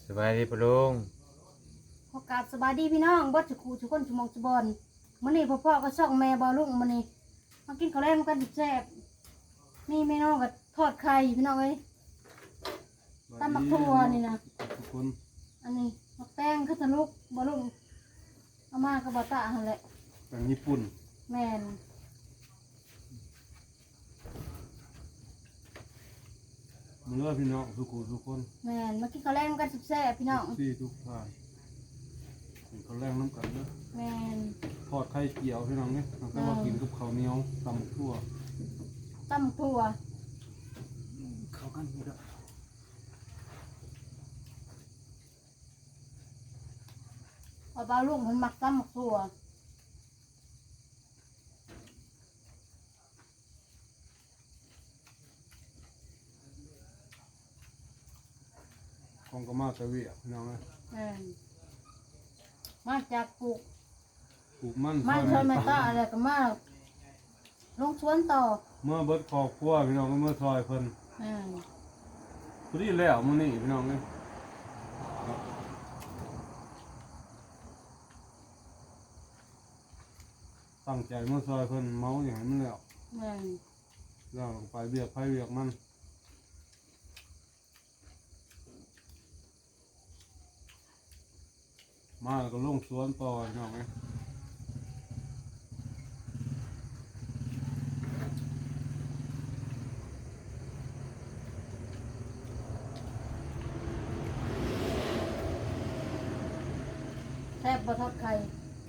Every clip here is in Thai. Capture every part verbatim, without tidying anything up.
สบายดีปะลุงขอกราบสบายดีพี่น้องบ่จุคูทุกคนชุมองจุบอนมื้อนี้พ่อๆก็ช่องแม่บ่ลุงมื้อนี้มากินข้าวแลงกันแซ่บนี่แม่น้องก็ทอดไข่พี่น้องเอ้ยตำบักถั่วนี่นะทุกคนอันนี้มักแตงคือทะลุบ่ลุงเอามาก็บ่ตะหั่นแหละแป้งญี่ปุ่นแม่นมื้อพี่น้องทุกคนทุกคนแม่นมากินข้าวแลงกันแซ่บพี่น้องสี่ทุกท่านกินข้าวแรงน้ำกันเด้อแม่นทอดไข่เจียวพี่น้องเนี่ยแล้วก็มากินกับข้าวเหนียวตำบักทั่วตำบักถั่วเข้ากันนี่ละพอบ่ลุงเพิ่นมักตำบักถั่วของก็มาแต่เวียพี่น้องเลยแม่นมาจากปลูกปลูกมันมันชนมาตาอะไรก็มาลงสวนต่อเมื่อเบิดครอบครัวพี่น้องก็เมื่อซอยเพิ่นอืมพอดีแล้วมื้อนี้พี่น้องเนี่ยตั้งใจเมื่อซอยเพิ่นเมาอย่างนั้นแล้วอืมแล้วลงไปเบียกไผเบียกมันมาแล้วก็ลงสวนต่อพี่น้องเนี่ยแซ่บบ่ทอดไข่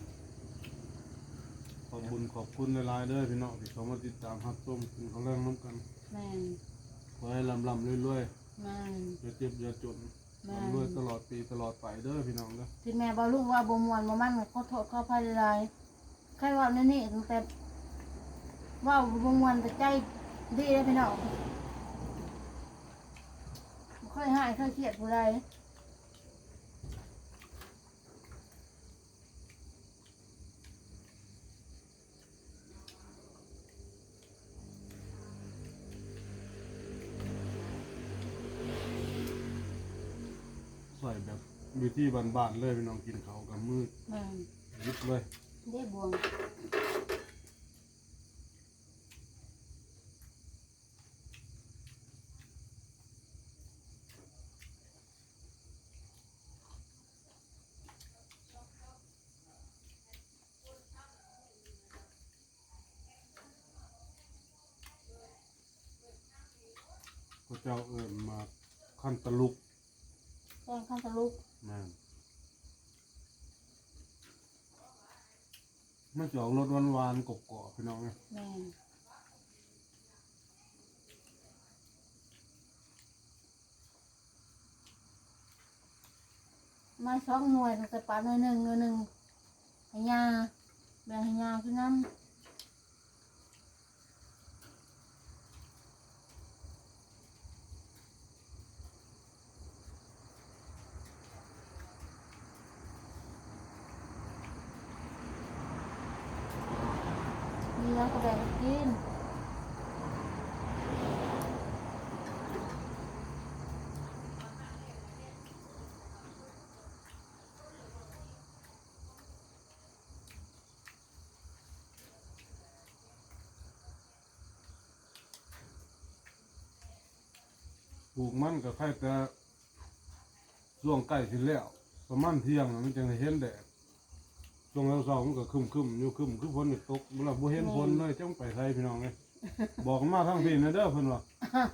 ขอบคุณขอบคุณหลายๆเด้อพี่น้องที่เขามาติดตามรับชมกินข้าวแรงน้ำกันแม่นขอให้ลำลำรวยๆแม่นอย่าเจ็บอย่าจนลำรวยตลอดปีตลอดไปเด้อพี่น้องเด้อที่แม่บ่รู้ว่าบ่ม่วนบ่มันขอโทษขออภัยหลายๆใครว่าในนี้ตั้งแต่ว่าบ่ม่วนแต่ใจดีเด้อพี่น้องบ่เคยหายเคยเครียดผู้ใดใส่แบบอยู่ที่บ้านๆเลยพี่น้องกินข้าวกับมือแม่นยิบเลยเด้บวงก็เจ้าเอิญมาขั้นตะลุกแกงข้าวทะลุนั่นไม่จะออกรสหวานๆกรอบๆพี่น้องเนี่ยแม่นมาสองหน่วยตั้งแต่ปลาหน่วยหนึ่งหน่วยหนึ่งให้ยาแบ่งให้ยาคือน้ำมีแล้วก็แบ่งกินปลูกมันกับไข่แต่ช่วงใกล้สิแล้วประมาณเที่ยงมันจะเห็นแดดช่วงเช้ามันก็คึมคึมอยู่คึมคือฝนตกเราบ่เห็นฝนเลยจังไปไทยพี่น้องเลยบอกมาทั้งพี่นะเด้อเพิ่นว่า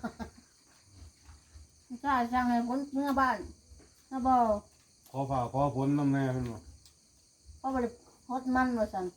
ใช่สั่งให้พ้นเมื่อบ้านนะบ่ขอฝ่าขอฝนน้ำแน่เพิ่นว่าเพราะบ่ได้ฮดมันว่าซั่น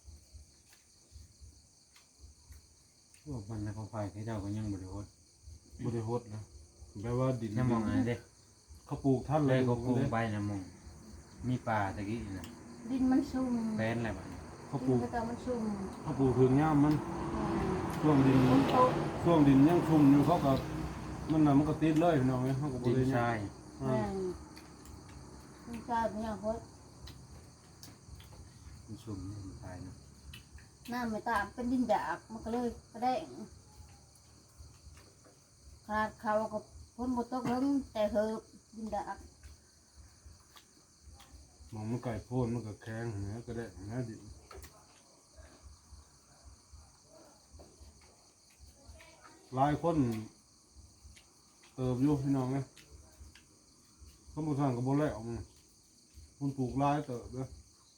พวกมันนะเขาไฟที่เจ้าก็ยังบริโภคบริโภคนะแปลว่าดินยังมองอะไรเด้เขาปลูกท่านเลเลยยเขาปลูกไปนะมองมีป่าตะกี้นะดินมันชุ่มแป้นอะไรบ้างเขาปลูกแต่มันชุ่มเขาปลูกถึงย่ามมันช่วงดินช่วงดินยังชุ่มอยู่เขาก็มันน่ะมันก็ติดเลยพี่น้องเนี่ยเขาก็บริโภคใช่แม่ดินทรายเป็นอย่างโคตรมันชุ่มมันตายนะน้ำไม่ตามเป็นดินหยาบมันก็เลยกระแดงขนาดเขาก็พ้นบทตกลงแต่เหอะดินหยาบมองมันไก่โพนมันก็แข็งเนื้อก็ได้เนื้อดิบหลายคนเติบอยู่พี่น้องเนี่ยเขาบุษานกับโบแลกมันคุณปลูกหลายเติบเลย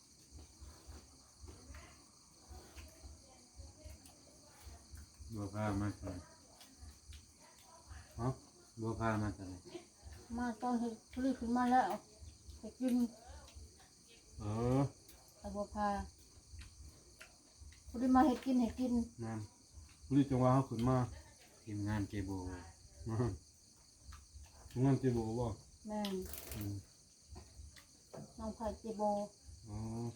บัวพามาใส่ฮะบัวพามาใส่มาตอนเห็ดผลิตขึ้นมาแล้วเห็ดกินเออไอ้บัวพาผลิตมาเห็ดกินเห็ดกินนั่นรีบจังหวะเขาขึ้นมาทีมงานเจโบอืมทุกงานเจ็บบ่บ่แม่นอืมน้องไผ่เจโบอ๋อ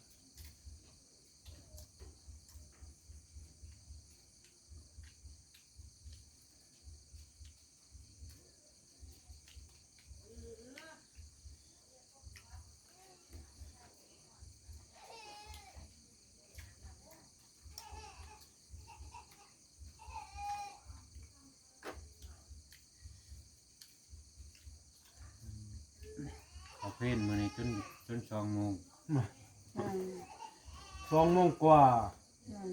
เขาเพ่นมาในจนจนสองโมงแม่นสองโมงกว่าแม่น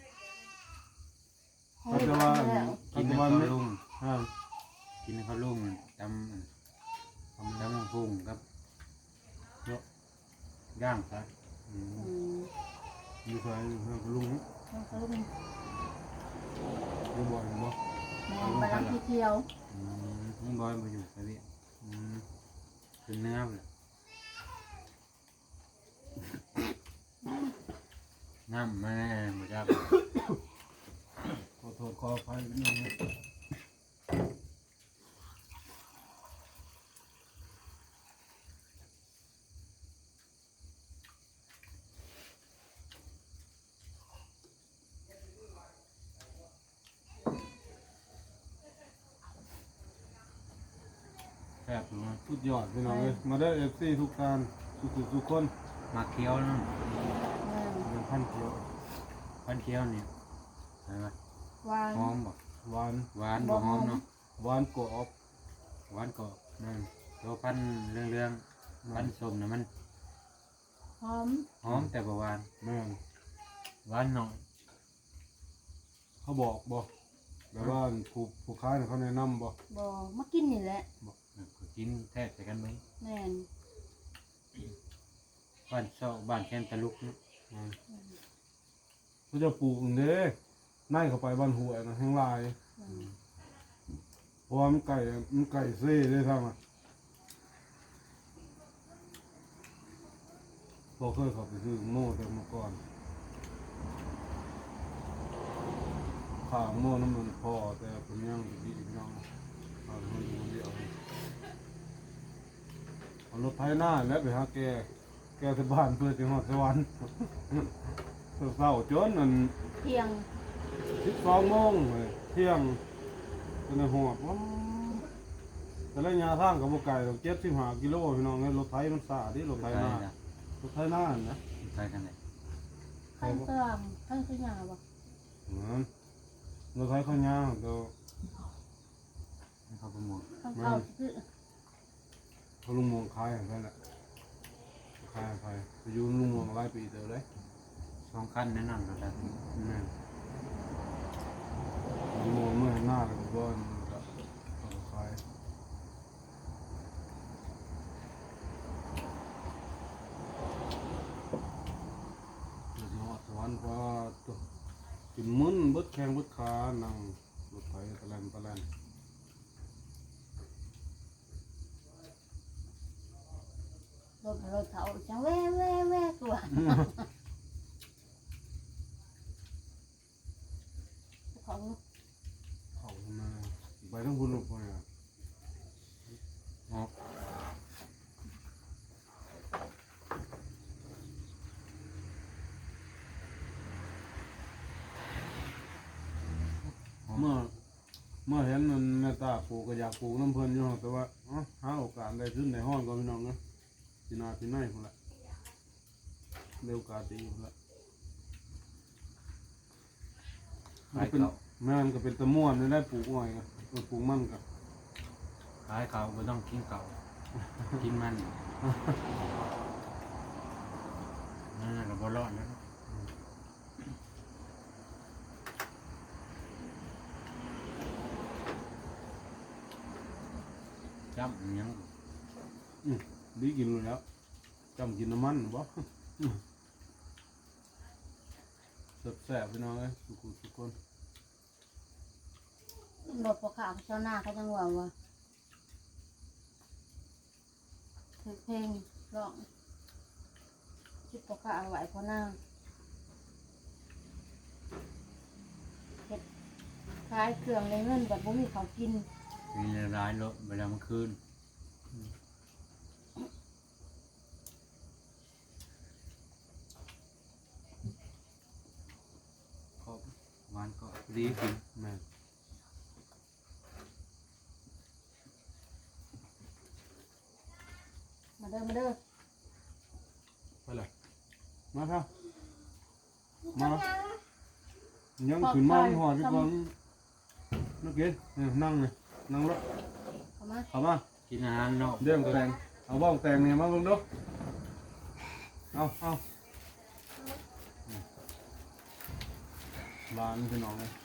เขาจะว่าแล้วเขากินจะให้ว่าเขาไม่ลุ่งอ่ากินให้เขาลุ่งตำตำตำพุงครับเยอะย่างซะอืมอืมอยู่ใส่อยู่ใส่กับลุงน้องเขาลุงอยู่บ่อยบ่แม่นไปรับที่เที่ยวอืมลุงบอยมาอยู่ไปเวียอืมขึ้นเนื้อเลยน้ำมาแน่หมดจ้าขอโทษขออภัยพี่น้องนะแซ่บหรือว่าสุดยอดพี่น้องเลยมาได้เอฟซีทุกการทุกทุกทุกคนมาเคี้ยวนะแม่นเป็นพันเกียวพันเคี้ยวเนี่ยอะไรวะหวานหอมบ่หวานหวานบ่หอมเนาะหวานกรอบหวานก็นั่นตัวพันเรื่องเรื่องๆพันส้มนะมันหอมหอมแต่บ่หวานแม่นหวานหน่อยเขาบอกบ่แต่ว่าผู้ผู้ค้าเนี่ยเขาแนะนำบ่บ่มากินนี่แหละก็กินแทบใส่กันไหมแม่นบ้านเซาบ้านแคนตะลุกเนาะอืมเขาจะปลูกเด้ในเข้าไปบ้านหัวยนะแห้งลายอืมเพราะว่ามันไก่มันไก่เซ่ได้ทั้งอ่ะพอเคยเขับไปซื้อโม่แต่เมื่อก่อนข้าวโม่น้ำมันพอแต่เป็นยังดีพี่น้องข้าวมันมันเดียวเอารถไถหน้าแล้วไปหาแกแกที่บ้านเพื่อจะหอดสวรรค์ เศร้าๆจนนั่นเที่ยงสิบสองโมงเลยเที่ยงเป็นในหอดว้าวแต่ระยะทางกับโบไก่เราเจ็ดสิบห้ากิโลพี่น้องเนี่ยรถไถมันสาดิรถไถหน้านะรถไถหน้านะใครกันไหนขั้นเติมขั้นขยาบ่เหมือนรถไถข้าวยางก็ให้เขาประมูลขั้นเข้าคือเขาลุงมวงขายอย่างนั้นแหละขายไปไปอยู่ลุงมวงหลายปีเดียวเลยสองขั้นแน่นอนเราได้แม่นลุงมวงเมื่อหน้าเลยก็ก็ก็ขายเดี๋ยวสิฮอดสวรรค์เพราะว่าตัวกินมึนเบิดแข้งเบิดขานั่งรถไถตะแลนตะแลนรถรถเขาจังแว่แว่แว่ตัวของเขาทำไมไปทั้งบุญลงไปอ่ะออกหอมเมื่อเมื่อเห็นมันแม่ตาปลูกก็อยากปลูกน้ำเพลินอยู่แต่ว่าเอ้าหาโอกาสได้ขึ้นในห้องก่อนพี่น้องนะพี่นาพี่นายคนละเร็วโอกาสดีคนละขายเป็นเขาแม่นก็เป็นตะม่วนได้ได้ปลูกอ้อยกันเออปลูกมันกันขายเขาไม่ต้องกินเก่ากินมันนั่นน่ะก็บ่รอดแล้วจำอิหยังอืมดีกินเลยแล้วจำกินน้ำมันบ่แซ่บๆพี่น้องเอ้ยทุกคนทุกคนรถพอข่าวเช้าหน้าเขาจังว่าว่าคือเพลงร้องคิดพอข่าวไหวพอหน้าเฮ็ดขายเครื่องในเงินแบบบ่มีเขาวกินมีร้ายรถเวลามันคืนก็หวานก็ดีกินแม่นมาเด้อมาเด้อไปเลยมาครับมายังขึ้นมาหอดพี่ก่อนนักเก็ตนั่งเลยนั่งรถเข้ามาเข้ามากินอาหารนอกเดี๋ยวแตงเอาบ้องแตงเนี่ยมาเบิ่งดูเอาเอาบ้านพี่น้องเลย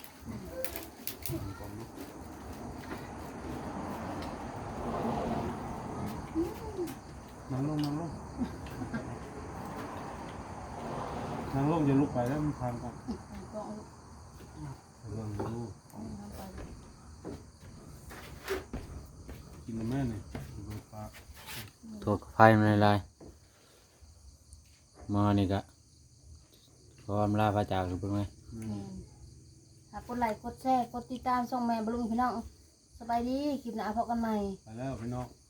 นั่งลงนั่งลงนั่งลงจะลุกไปแล้วมันทางกันกองลูกเรื่องดูกองทำไปกินแม่เนี่ยดูปลาโทษไฟมันลายมานี่กะขออำลาพระจากหรือเปล่าไหมแม่นถ้ากดไลค์กดแชร์กดติดตามช่องแม่บลุงพี่น้องสบายดีคลิปหน้าพบกันใหม่ไปแล้วพี่น้อง